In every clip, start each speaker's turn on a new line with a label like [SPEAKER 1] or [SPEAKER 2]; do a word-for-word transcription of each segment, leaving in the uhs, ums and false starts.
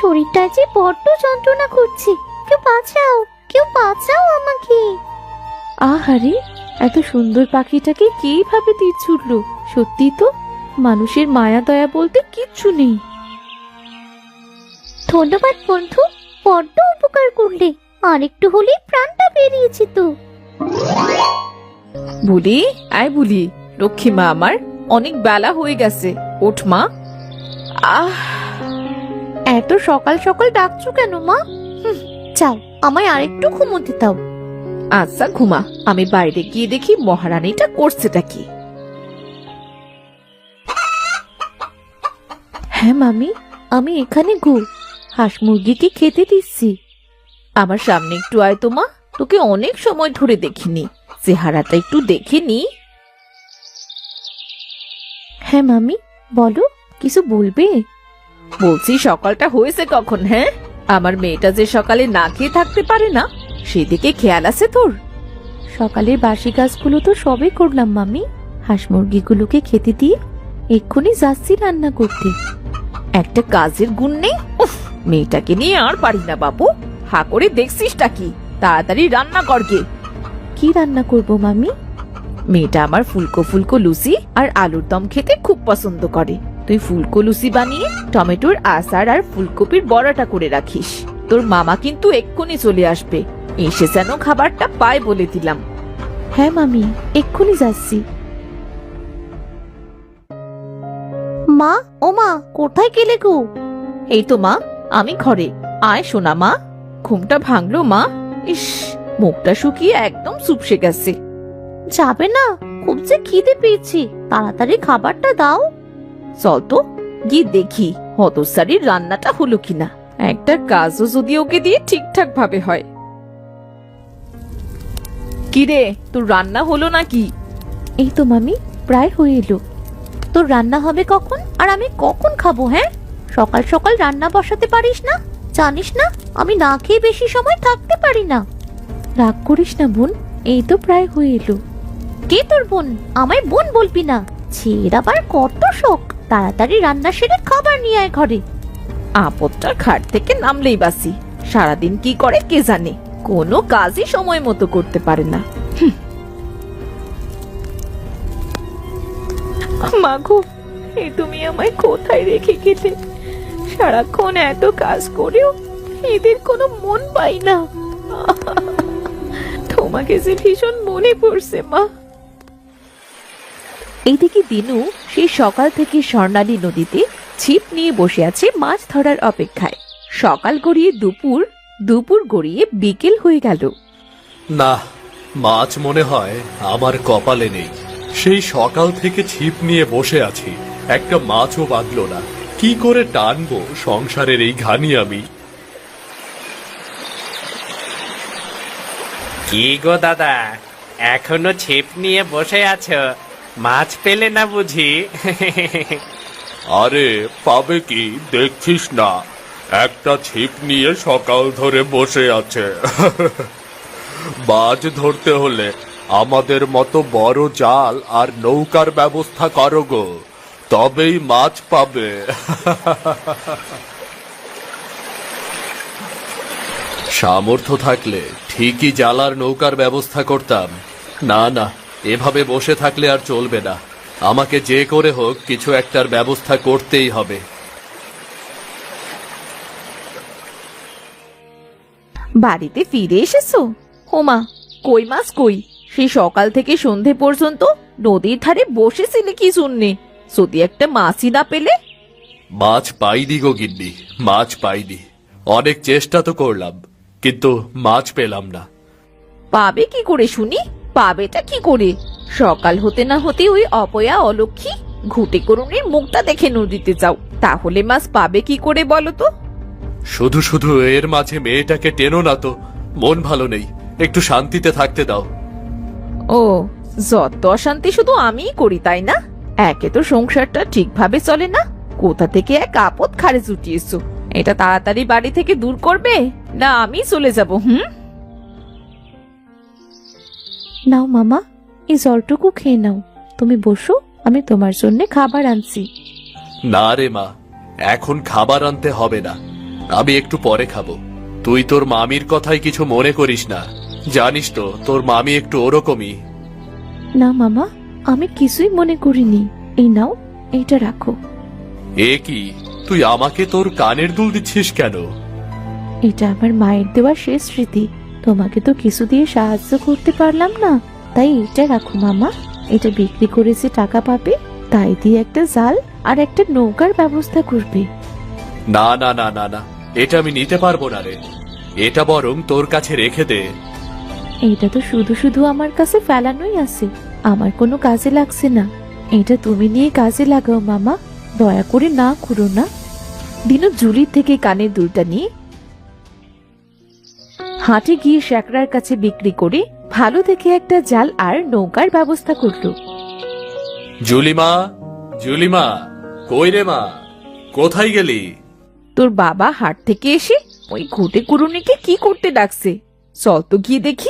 [SPEAKER 1] শরীরটা যে বড্ড যন্ত্রণা করছে, কেউ বাঁচাও, কেউ বাঁচাও আমাকে।
[SPEAKER 2] আহারে, এত সুন্দর পাখিটাকে কে ভাবে তীর ছুটলো? সত্যি তো, মানুষের মায়া দয়া বলতে কিচ্ছু নেই।
[SPEAKER 1] ধন্যবাদ বন্ধু, বড্ড উপকার করলে। আর একটু হলেই প্রাণটা বেরিয়েছে তো।
[SPEAKER 2] বুলি, আয় বুলি, লক্ষ্মী মা আমার, অনেক বেলা হয়ে গেছে, ওঠ মা। আহ, এত সকাল সকাল ডাকছো কেন মা?
[SPEAKER 1] যাও, আমায় আরেকটু ঘুমোতে দাও।
[SPEAKER 2] আচ্ছা ঘুমা, আমি বাইরে গিয়ে দেখি মহারানীটা করছেটা কি। হ্যাঁ মামি, আমি এখানে গো, হাঁস মুরগিকে খেতে দিচ্ছি। আমার সামনে একটু আয় তো মা, তোকে অনেক সময় ধরে দেখিনি, চেহারাটা একটু দেখে নি। হ্যাঁ মামি, বলো, কিছু বলবে? বলছি সকালটা হয়েছে কখন? হ্যাঁ, আমার মেয়েটা যে সকালে না খেয়ে থাকতে পারে না, সেদিকে খেয়াল আছে তোর? সকালের বাসি কাজগুলো তো সবই করলাম মামি, হাঁস মুরগিগুলোকে খেতে দিয়ে এক্ষুনি যাচ্ছি রান্না করতে। একটা কাজের গুণ নেই। উফ, মেয়েটাকে নিয়ে আর পারি না বাবু। হা করে দেখছিসটা কি? তাড়াতাড়ি রান্না কর গে। কি রান্না করব মামি? মেয়েটা আমার ফুলকো ফুলকো লুচি আর আলুর দম খেতে খুব পছন্দ করে। তুই ফুলকো লুচি বানিয়ে টমেটোর আচার আর ফুলকপির বড়াটা করে রাখিস। তোর মামা কিন্তু এক্ষুনি চলে আসবে, এসে যেন খাবারটা পায় বলে দিলাম। হ্যাঁ মামি, এক্ষুনি যাচ্ছি।
[SPEAKER 1] মা, ও মা, কোথায় গেলে গো?
[SPEAKER 2] এই তো মা, আমি ঘরে। আয় সোনা মা। ঘুমটা ভাঙলো মা? ইস, মুখটা শুকিয়ে একদম চুপসে গেছে।
[SPEAKER 1] যাবে না? খুব যে খিদে পেয়েছি, তাড়াতাড়ি খাবারটা দাও।
[SPEAKER 2] চল তো গিয়ে দেখি হতসারির রান্নাটা হলো কিনা। একটা কাজও যদি ওকে দিয়ে ঠিকঠাক ভাবে হয়। কিরে, তোর রান্না হলো নাকি? এই তো মামি, প্রায় হয়ে এলো।
[SPEAKER 1] তোর রান্না হবে কখন, আর আমি কখন খাবো? হ্যাঁ, সকাল সকাল রান্না বসাতে পারিস না? জানিস না আমি না খেয়ে বেশি সময় থাকতে পারি না।
[SPEAKER 2] রাগ করিস না বোন, এই তো প্রায় হয়ে এলো।
[SPEAKER 1] কে তোর বোন? আমায় বোন বলবি না। ছের আবার কত শখ, তাড়াতাড়ি রান্না সেরে খাবার নিয়ে আয় ঘরে।
[SPEAKER 2] আপদটা খাট থেকে নামলেই বাসি, সারাদিন কি করে কে জানে, কোনো কাজই সময় মতো করতে পারে না। মাগো, এ তুমি আমায় কোথায় রেখে গেলে? সারাক্ষণ এত কাজ করেও এদের কোনো মন পাই না। তোমাকে যে ভীষণ মনে পড়ছে মা। এইদিকে দিনু সেই সকাল থেকে স্বর্ণালী নদীতে ছিপ নিয়ে বসে আছে মাছ ধরার অপেক্ষায়। সকাল গড়িয়ে দুপুর, দুপুর গড়িয়ে বিকেল হয়ে গেল।
[SPEAKER 3] না, মাছ মনে হয় আমার কপালে নেই। সেই সকাল থেকে ছিপ নিয়ে বসে আছি, একটা মাছও বাঁধলো না। কি করে টানবো সংসারের এই ঘানি আমি?
[SPEAKER 4] কি গো দাদা, এখনো ছিপ নিয়ে বসে আছো? মাছ পেলে না বুঝি?
[SPEAKER 3] আরে পাবে কি, দেখছিস না একটা ছিপ নিয়ে সকাল ধরে বসে আছে। মাছ ধরতে হলে আমাদের মতো বড় জাল আর নৌকার ব্যবস্থা করো গো, তবেই মাছ পাবে। সামর্থ্য থাকলে ঠিকই জাল আর নৌকার ব্যবস্থা করতাম। না না, এভাবে বসে থাকলে আর চলবে না। আমাকে যে করে হোক কিছু একটার ব্যবস্থা করতেই হবে।
[SPEAKER 2] বাড়িতে ফিরে এসেছো? হোমা, কই মাছ কই? সেই সকাল থেকে সন্ধে পর্যন্ত নদীর ধারে বসেছিলে কি শুননে? যদি একটা মাছই না পেলে?
[SPEAKER 3] মাছ পাইনি গো গিন্নি, মাছ পাইনি। অনেক চেষ্টা তো করলাম, কিন্তু মাছ পেলাম না।
[SPEAKER 2] পাবে কি করে শুনি? পাবেটা কি করে? সকাল হতে না হতে ওই অপয়া অলক্ষী ঘুটে করুণের মুখটা দেখে নদীতে যাও, তাহলে মাছ পাবে কি করে বলো তো?
[SPEAKER 3] শুধু শুধু এর মাঝে মেয়েটাকে টেনো না তো, মন ভালো নেই, একটু শান্তিতে থাকতে দাও।
[SPEAKER 2] ও, যত অশান্তি শুধু আমিই করি তাই না? একে তো সংসারটা ঠিকভাবে চলে না, কোথা থেকে এক আপদ খাড়ে জুটিয়েছো। এটা তাড়াতাড়ি বাড়ি থেকে দূর করবে, না আমি চলে যাব? হুম, নাও মামা, এই জলটুকু খেয়ে নাও। তুমি বসো, আমি তোমার জন্য খাবার আনছি।
[SPEAKER 3] না রে মা, এখন খাবার আনতে হবে না। আমি একটু পরে খাবো। তুই তোর মামির কথাই কিছু মনে করিস না। জানিস তো তোর মামি একটু ওরকমই।
[SPEAKER 2] না মামা, আমি কিছুই মনে করিনি। এই নাও, এইটা রাখো।
[SPEAKER 3] এ কি, তুই আমাকে তোর কানের দুল দিচ্ছিস কেন?
[SPEAKER 2] এটা আমার মায়ের দেওয়া শেষ স্মৃতি। তোমাকে তো কিছু দিয়ে সাহায্য করতে পারলাম না, তাই এটা রাখো মামা। এটা বিক্রি করে যে টাকা পাবে তাই দিয়ে একটা জাল আর একটা নৌকার ব্যবস্থা করবে।
[SPEAKER 3] না না না না না, এটা আমি নিতে পারবো না রে। এটা বরং তোর কাছে রেখে দে।
[SPEAKER 2] এটা তো শুধু শুধু আমার কাছে ফেলানোই আছে, আমার কোনো কাজে লাগছে না। এটা তুমি নিয়ে কাজে লাগাও মামা, দয়া করে না করো না। দিনু জুলির থেকে কানের দুলটা নিয়ে হাটে গিয়ে শ্যাকরার কাছে বিক্রি করে ভালো দেখে একটা জাল আর নৌকার ব্যবস্থা করলো।
[SPEAKER 3] জুলিমা, জুলিমা, কই রে মা, কোথায় গেলি?
[SPEAKER 2] তোর বাবা হাট থেকে এসে ওই ঘুটে কুড়ুনিকে কি করতে ডাকছে, চল তো গিয়ে দেখি।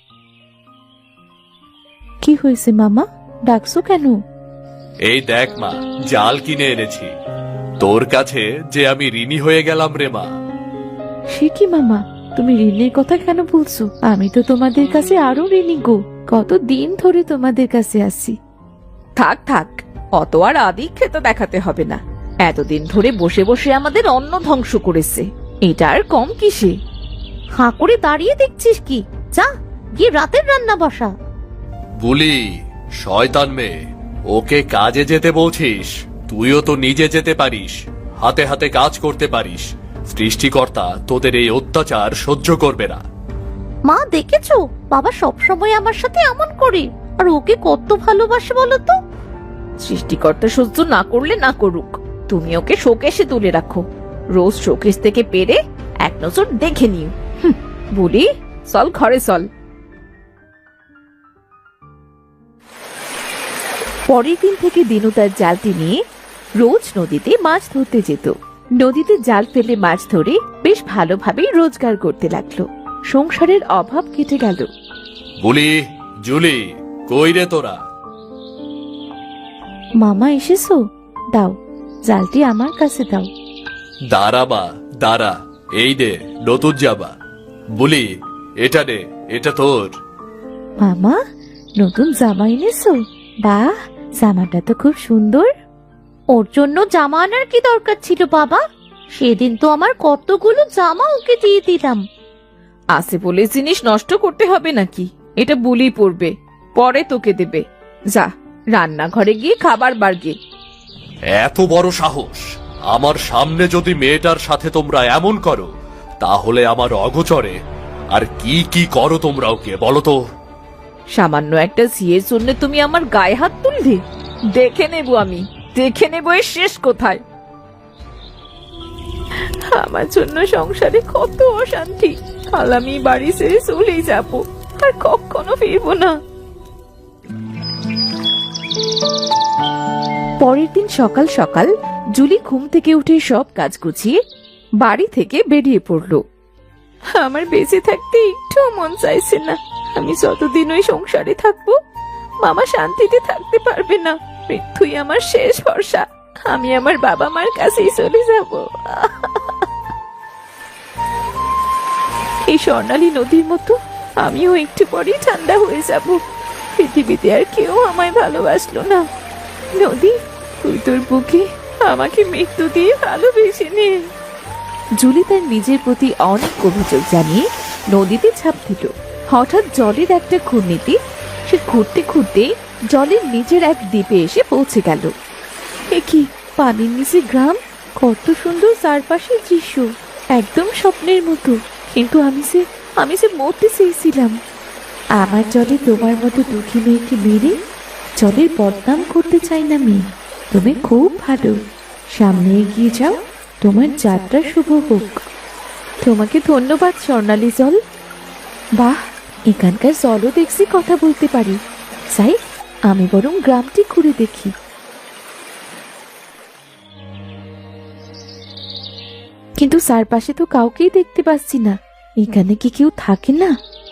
[SPEAKER 2] কি হয়েছে মামা, ডাকছো কেন?
[SPEAKER 3] এই দেখ মা, জাল কিনে এনেছি। তোর কাছে যে আমি ঋণী হয়ে গেলাম রে মা।
[SPEAKER 2] সে কি মামা, তুমি ঋণের কথা কেন বলছো? আমি তো তোমাদের কাছে আরো ঋণী গো, কত দিন ধরে তোমাদের কাছে আসি। থাক থাক, অত আর আদিক্ষেতা দেখাতে হবে না। এতদিন ধরে বসে বসে আমাদের অন্ন ধ্বংস করেছে, এটা আর কম কিসে?
[SPEAKER 1] হাঁ করে দাঁড়িয়ে দেখছিস কি? যা গিয়ে রাতের রান্না বসা।
[SPEAKER 3] বুলি, শয়তান মেয়ে, ওকে কাজে যেতে বলছিস? তুইও তো নিজে যেতে পারিস, হাতে হাতে কাজ করতে পারিস। সৃষ্টিকর্তা তোদের এই অত্যাচার সহ্য করবে না।
[SPEAKER 1] মা দেখেছো, বাবা সবসময় আমার সাথে এমন করে, আর ওকে কত ভালোবাসে বলো তো।
[SPEAKER 2] সৃষ্টিকর্তা সহ্য না করলে না করুক, তুমি ওকে শোকেশে তুলে রাখো। রোজ শোকেশ থেকে পেরে এক নজর দেখে নিও। হুঁ, বলি চল ঘরে চল। পরের দিন থেকে দিনু তার জালটি নিয়ে রোজ নদীতে মাছ ধরতে যেত। নদীতে জাল ফেলে মাছ ধরে বেশ ভালোভাবেই রোজগার করতে লাগলো। সংসারের অভাব কেটে গেল।
[SPEAKER 3] বুলি, জুলি, কই রে তোরা?
[SPEAKER 2] মামা এসেছো? দাও, জালটি আমার কাছে দাও।
[SPEAKER 3] দাঁড়া বা দাঁড়া, এই দে নতুন জামা। বুলি, এটা নে, এটা তোর।
[SPEAKER 2] মামা, নতুন জামা এনেছো? বাহ, জামাটা তো খুব সুন্দর।
[SPEAKER 1] ওর জন্য জামা আনার কি দরকার ছিল বাবা? সেদিন তো আমার কতগুলো জামা ওকে দিয়ে দিলাম।
[SPEAKER 2] আছে বলে জিনিস নষ্ট করতে হবে নাকি? এটা বুলি পড়বে, পরে তোকে দেবে। যা, রান্নাঘরে গিয়ে খাবার বাড়গে।
[SPEAKER 3] এত বড় সাহস! আমার সামনে যদি মেয়েটার সাথে তোমরা এমন করো, তাহলে আমার অগোচরে আর কি কি করো তোমরা ওকে বলো তো?
[SPEAKER 2] সামান্য একটা সিয়ের জন্য তুমি আমার গায়ে হাত তুললে? দেখে নেব আমি, দেখে নেব এর শেষ কোথায়। আমার জন্য সংসারে কত অশান্তি, কাল আমি বাড়ি ছেড়ে চলেই যাব, আর কখনো ফিরবো না। পরের দিন সকাল সকাল জুলি ঘুম থেকে উঠে সব কাজ গুছিয়ে বাড়ি থেকে বেরিয়ে পড়লো। আমার বেঁচে থাকতে একটু মন চাইছে না। আমি যতদিন ওই সংসারে থাকবো, মামা শান্তিতে থাকতে পারবে না। মৃত্যুই আমার শেষ ভরসা। আমি আমার বাবা মার কাছেই চলে যাব। এই স্বর্ণালী নদীর মতো আমিও একটু পরেই ঠান্ডা হয়ে যাব। পৃথিবীতে আর কেউ আমায় ভালোবাসলো না। নদী, তুই তোর বুকে আমাকে মৃত্যু দিয়ে ভালোবেসে নে। জুলি তার নিজের প্রতি অনেক অভিযোগ জানিয়ে নদীতে ঝাঁপ দিল। হঠাৎ জলের একটা ঘূর্ণিতে সে ঘুরতে ঘুরতে জলের নিচের এক দ্বীপে এসে পৌঁছে গেল। এ কি, পানির নিচে গ্রাম, কত সুন্দর চারপাশের দৃশ্য, একদম স্বপ্নের মতো। কিন্তু আমি যে আমি যে মরতে চেয়েছিলাম। আমার জলে তোমার মতো দুঃখী মেয়েকে মেরে জলের বদনাম করতে চাই না মেয়ে। তুমি খুব ভালো, সামনে এগিয়ে যাও, তোমার যাত্রা শুভ হোক। তোমাকে ধন্যবাদ স্বর্ণালী জল। বাহ, এখানকার জলও দেখছি কথা বলতে পারি। যাই, আমি বরং গ্রামটি ঘুরে দেখি। কিন্তু চারপাশে তো কাউকেই দেখতে পাচ্ছি না। এখানে কি কেউ থাকে না?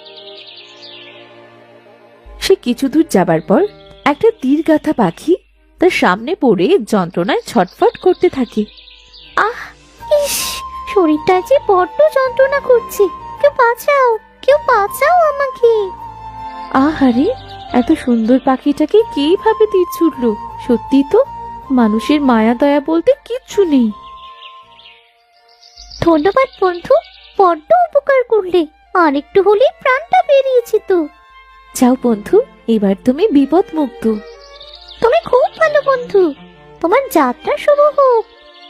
[SPEAKER 2] সে কিছু দূর যাবার পর একটা তীর গাথা পাখি তার সামনে পড়ে যন্ত্রণায় ছটফট করতে থাকে।
[SPEAKER 1] আহ, ইস, শরীরটা যে বড্ড যন্ত্রণা করছে, কেউ বাঁচাও, কেউ বাঁচাও আমাকে।
[SPEAKER 2] আহারে, এত সুন্দর পাখিটাকে কিভাবে তীর ছুটলো! সত্যি তো, মানুষের মায়া দয়া বলতে কিচ্ছু নেই।
[SPEAKER 1] ধন্যবাদ বন্ধু, বড্ড উপকার করলে। আর একটু হলেই প্রাণটা বেরিয়েছে তো।
[SPEAKER 2] যাও বন্ধু, এবার তুমি বিপদ মুক্ত।
[SPEAKER 1] তুমি খুব ভালো বন্ধু, তোমার যাত্রা শুভ হোক।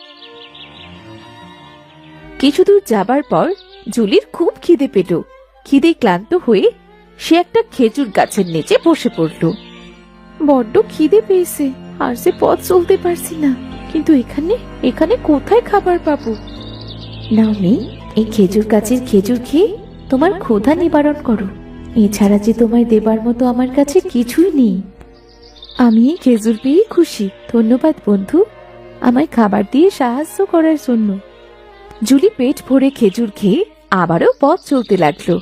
[SPEAKER 2] কিছু দূর যাবার পর জুলির খুব খিদে পেল। খিদে ক্লান্ত হয়ে সে একটা খেজুর গাছের নিচে বসে পড়ল। বড্ড খিদে পেয়েছে, আর সে পথ চলতে পারছি না। কিন্তু এখানে এখানে কোথায় খাবার পাবো? নাও নেই, এই খেজুর গাছের খেজুর খেয়ে তোমার ক্ষুধা নিবারণ করো। এছাড়া যে তোমায় দেবার মতো আমার কাছে কিছুই নেই। আমি এই খেজুর পেয়ে খুশি। ধন্যবাদ বন্ধু, আমায় খাবার দিয়ে সাহায্য করার জন্য। জুলি পেট ভরে খেজুর খেয়ে আবারও পথ চলতে লাগলো।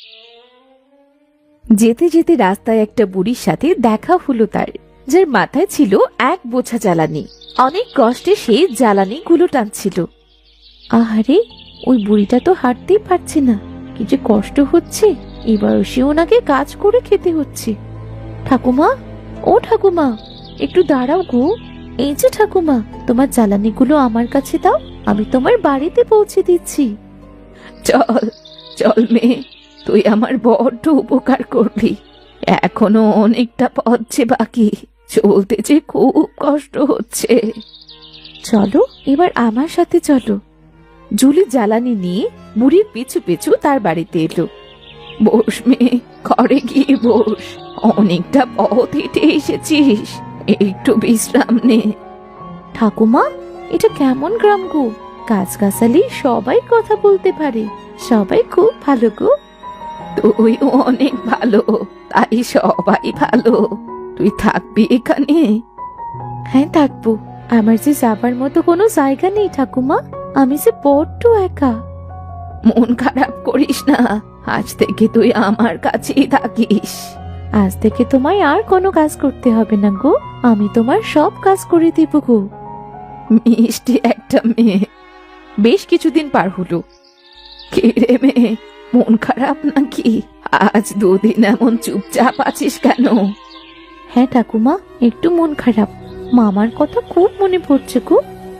[SPEAKER 2] যেতে যেতে রাস্তায় একটা বুড়ির সাথে দেখা হলো তার, যার মাথায় ছিল এক বোঝা জ্বালানি। অনেক কষ্টে সে জ্বালানি গুলো টানছিল। আহারে, ওই বুড়িটা তো হাঁটতেই পারছে না, কি যে কষ্ট হচ্ছে। এবার সে ওনাকে কাজ করে খেতে হচ্ছে। ঠাকুমা, ও ঠাকুমা, একটু দাঁড়াও গো। এই যে ঠাকুমা, তোমার জ্বালানিগুলো আমার কাছে দাও, আমি তোমার বাড়িতে পৌঁছে দিচ্ছি। চল চল মেয়ে, তুই আমার বড্ড উপকার করবি। এখনো অনেকটা পথ যে বাকি, চলতে যে খুব কষ্ট হচ্ছে। চলো, এবার আমার সাথে চলো। জুলি জ্বালানি নিয়ে বুড়ির পিছু পিছু তার বাড়িতে এলো। বস মেয়ে, ঘরে গিয়ে বস। অনেকটা পথ হেঁটে এসেছিস, একটু বিশ্রাম নে। ঠাকুমা, এটা কেমন গ্রাম গো? গাছগাছালি সবাই কথা বলতে পারে, সবাই খুব ভালো গো। তুই অনেক ভালো, তাই সবাই ভালো। তুই থাকবি এখানে? হ্যাঁ থাকবো। আমার যে যাবার মতো কোনো জায়গা নেই ঠাকুমা, আমি যে বড্ড একা। মন খারাপ করিস না, আজ থেকে তুই আমার কাছেই থাকিস। আজ থেকে তোমায় আর কোনো কাজ করতে হবে না গো, আমি তোমার সব কাজ করে দেব গো। মিষ্টি একটা মেয়ে। বেশ কিছুদিন পার হলো। কে রে মেয়ে, মন খারাপ নাকি? আজ দুদিন এমন চুপচাপ আছিস কেন? হ্যাঁ ঠাকুমা, একটু মন খারাপ। মামার কথা খুব মনে পড়ছে গো।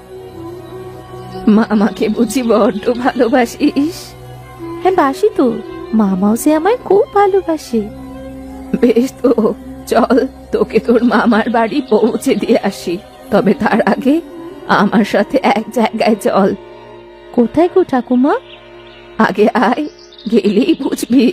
[SPEAKER 2] মামাকে বুঝি বড্ড ভালোবাসিস? হ্যাঁ বাসি তো, মামাও যে আমায় খুব ভালোবাসে। বেশ তো, চল তোকে তোর মামার বাড়ি পৌঁছে দিয়ে আসি। তবে তার আগে আমার সাথে এক জায়গায় চল। কোথায় গো ঠাকুমা? আগে আয়, গেলেই বুঝবি।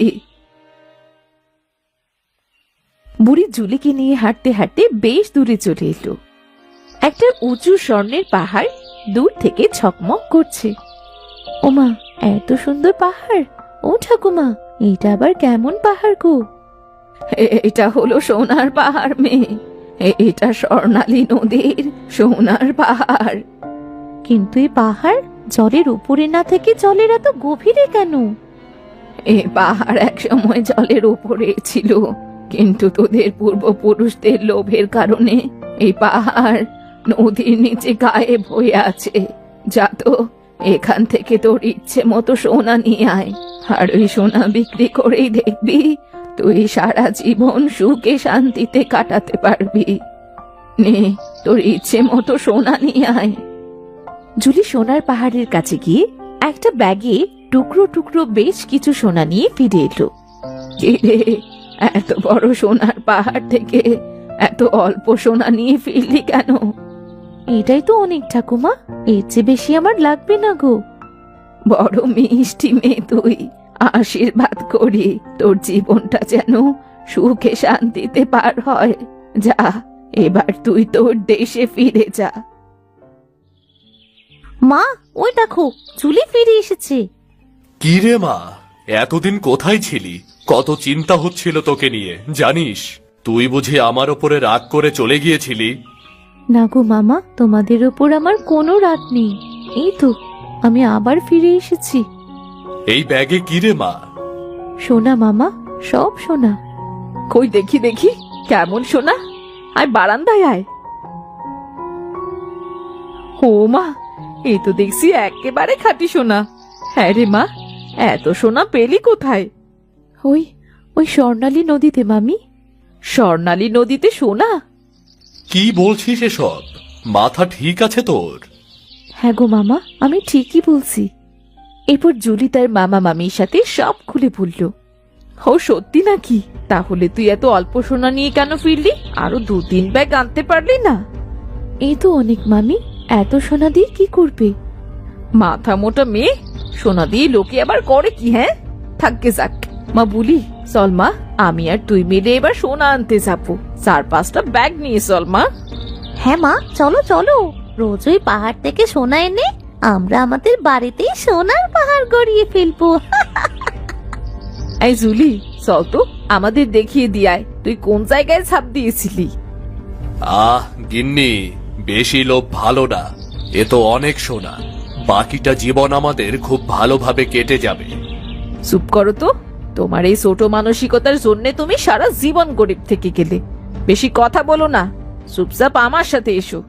[SPEAKER 2] বুড়ি জুলিকে নিয়ে হাঁটতে হাঁটতে বেশ দূরে চলে এলো। একটা উঁচু স্বর্ণের পাহাড় দূর থেকে ঝকমক করছে। ওমা, এত সুন্দর পাহাড়! ও ঠাকুমা, এটা আবার কেমন পাহাড় গো? এটা হলো সোনার পাহাড় মেয়ে, এটা স্বর্ণালী নদীর সোনার পাহাড়। কিন্তু এই পাহাড় জলের উপরে না থেকে জলের এত গভীরে কেন? এ পাহাড় এক সময় জলের উপরে ছিল, কিন্তু তোদের পূর্বপুরুষদের লোভের কারণে এই পাহাড় নদীর নিচে গায়েব হয়ে আছে। যা তো, এখান থেকে তোর ইচ্ছে মতো সোনা নিয়ে আয়, আর ওই সোনা বিক্রি করেই দেখবি তুই সারা জীবন সুখে শান্তিতে কাটাতে পারবি। নে, তোর ইচ্ছে মতো সোনা নিয়ে আয়। জুলি সোনার পাহাড়ের কাছে গিয়ে একটা ব্যাগে টুকরো টুকরো বেশ কিছু সোনা নিয়ে ফিরে এলো। রে, এত বড় সোনার পাহাড় থেকে এত অল্প সোনা নিয়ে ফিরলি কেন? এটাই তো অনেক ঠাকুমা, এর চেয়ে বেশি আমার লাগবে না গো। বড় মিষ্টি মেয়ে তুই, আশীর্বাদ করি তোর জীবনটা যেন সুখে শান্তিতে পার হয়। যা, এবার তুই তোর দেশে ফিরে যা।
[SPEAKER 1] মা, ওই দেখো, জুলি ফিরে এসেছে।
[SPEAKER 3] কি রে মা, এতদিন কোথায় ছিলি? কত চিন্তা হচ্ছিল তোকে নিয়ে জানিস। তুই বুঝি আমার ওপরে রাগ করে চলে গিয়েছিলি?
[SPEAKER 2] না গো মামা, তোমাদের ওপর আমার কোনো রাগ নেই। এই তো, আমি আবার ফিরে এসেছি।
[SPEAKER 3] এই ব্যাগে কি রে মা?
[SPEAKER 2] সোনা মামা, সব সোনা। কই দেখি দেখি, কেমন সোনা? আয় বারান্দায় আয়। ও মা, এই তো দেখছি একেবারে খাঁটি সোনা। হ্যাঁ রে মা, এত সোনা পেলি কোথায়?
[SPEAKER 1] ওই ওই স্বর্ণালী নদীতে মামি।
[SPEAKER 2] স্বর্ণালী নদীতে সোনা?
[SPEAKER 3] কি বলছিস এসব? মাথা ঠিক আছে তোর?
[SPEAKER 1] হ্যাঁ গো মামা, আমি ঠিকই বলছি।
[SPEAKER 2] এরপর জুলি তার মামা মামির সাথে সব খুলে বলল। ও সত্যি নাকি? তাহলে তুই এত অল্প সোনা নিয়ে কেন ফিরলি? আরো দু তিন ব্যাগ আনতে পারলি না?
[SPEAKER 1] এই তো অনেক মামি, এত সোনা দিয়ে কি করবে?
[SPEAKER 2] মাথা মোটা মেয়ে, সোনা দিয়ে লোকে আবার করে কি? হ্যাঁ থাকবে যাক। মা বলি, চল মা, আমি আর তুই মিলে এবার সোনা আনতে যাবো। চার পাঁচটা ব্যাগ নিয়ে চল মা।
[SPEAKER 1] হ্যাঁ মা, চলো চলো। রোজ ওই পাহাড় থেকে সোনা এনে আমরা আমাদের বাড়িতেই সোনার পাহাড় গড়িয়ে ফেলবো।
[SPEAKER 2] এই জুলি, চল তো আমাদের দেখিয়ে দিয়ায় তুই কোন জায়গায় ছাপ দিয়েছিলি।
[SPEAKER 3] আহ গিন্নি, বেশি লোভ ভালো না। এ তো অনেক সোনা, বাকিটা জীবন আমাদের খুব ভালোভাবে কেটে যাবে।
[SPEAKER 2] চুপ করো তো, তোমার এই ছোট মানসিকতার জন্য তুমি সারা জীবন গরিব থেকে গেলে। বেশি কথা বলো না, চুপচাপ আমার সাথে এসো।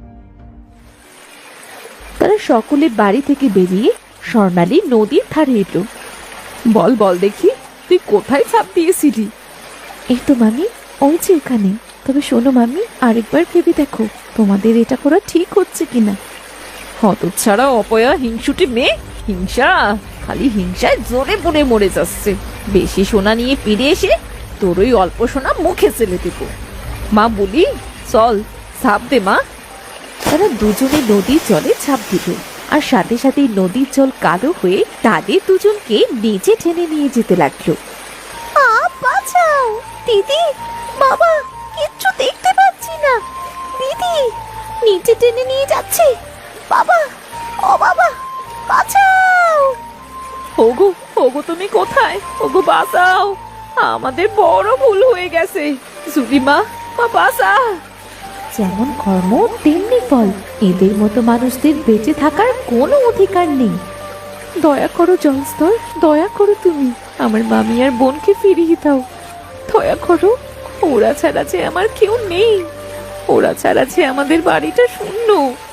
[SPEAKER 1] তারা সকলে বাড়ি থেকে বেরিয়ে স্বর্ণালী নদীর ধারে এলো।
[SPEAKER 2] বল বল দেখি, তুই কোথায় ছাপ দিয়েছিলি?
[SPEAKER 1] এই তো মামি, ওই যে এখানে। তবে শোনো মামি, আরেকবার ভেবে দেখো তোমাদের এটা করা ঠিক হচ্ছে কিনা।
[SPEAKER 2] হতচ্ছাড়া অপয়া হিংসুটি মেয়ে, হিংসা, খালি হিংসায় জোরে পড়ে মরে যাচ্ছে। বেশি সোনা নিয়ে ফিরে এসে তোর ওই অল্প সোনা মুখে ফেলে দেব। মা বলি, চল ছাপ দে মা।
[SPEAKER 1] তারা দুজনে নদীর জলে ঝাঁপ দিল, আর সাথে সাথে নদীর জল কালো হয়ে তাদের দুজনকে নিচে টেনে নিয়ে যেতে লাগলো। বাঁচাও দিদি, বাবা, কিচ্ছু দেখতে পাচ্ছি না। দিদি, নিচে টেনে নিয়ে যাচ্ছে। বাবা, ও বাবা, বাঁচাও।
[SPEAKER 2] ওগো ওগো তুমি কোথায়? ওগো বাঁচাও, আমাদের বড় ভুল হয়ে গেছে। জুলি মা, মা বাঁচা।
[SPEAKER 1] যেমন কর্ম তেমনি ফল। এদের মতো মানুষদের বেঁচে থাকার কোনো অধিকার নেই। দয়া করো জলস্তর, দয়া করো তুমি আমার মামি আর বোনকে ফিরিয়ে দাও।
[SPEAKER 2] দয়া করো, ওরা ছাড়া যে আমার কেউ নেই। ওরা ছাড়া যে আমাদের বাড়িটা শূন্য।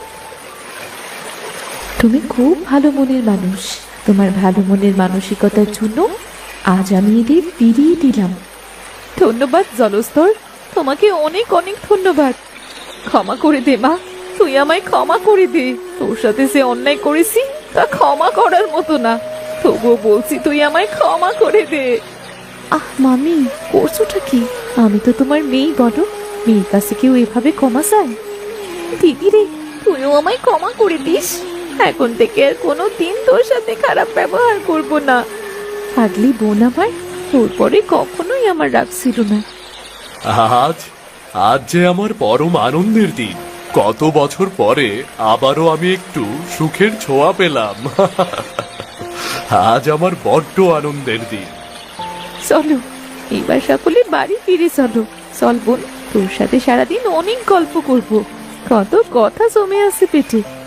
[SPEAKER 1] তুমি খুব ভালো মনের মানুষ। তোমার ভালো মনের মানসিকতার জন্য আজ আমি এদের ফিরিয়ে দিলাম।
[SPEAKER 2] ধন্যবাদ জলস্তর, তোমাকে অনেক অনেক ধন্যবাদ। ক্ষমা করে দে মা, তুই আমায় ক্ষমা করে দে। তোর সাথে যে অন্যায় করেছি তা ক্ষমা করার মতো না। তবুও বলছি, তুই আমায় ক্ষমা করে দে।
[SPEAKER 1] আহ মামি, করছোটা কি? আমি তো তোমার মেয়ে, বলো। মেয়ের কাছে কেউ এভাবে ক্ষমা চায়?
[SPEAKER 2] দিদি রে, তুইও আমায় ক্ষমা করে দিস। এখন থেকে আর কোনো দিন তোর সাথে খারাপ ব্যবহার করব না।
[SPEAKER 1] পাগলি বোন আমার, তোর পরে কখনোই আমার রাগ ছিল না।
[SPEAKER 3] আজ আজ যে আমার পরম আনন্দের দিন। কত বছর পরে আবারও আমি একটু সুখের ছোঁয়া পেলাম। আজ আমার বড্ড আনন্দের দিন।
[SPEAKER 1] চলো এবার সকলে বাড়ি ফিরে চলো। চল বোন, তোর সাথে সারাদিন অনেক গল্প করব। কত কথা জমে আছে পেটে।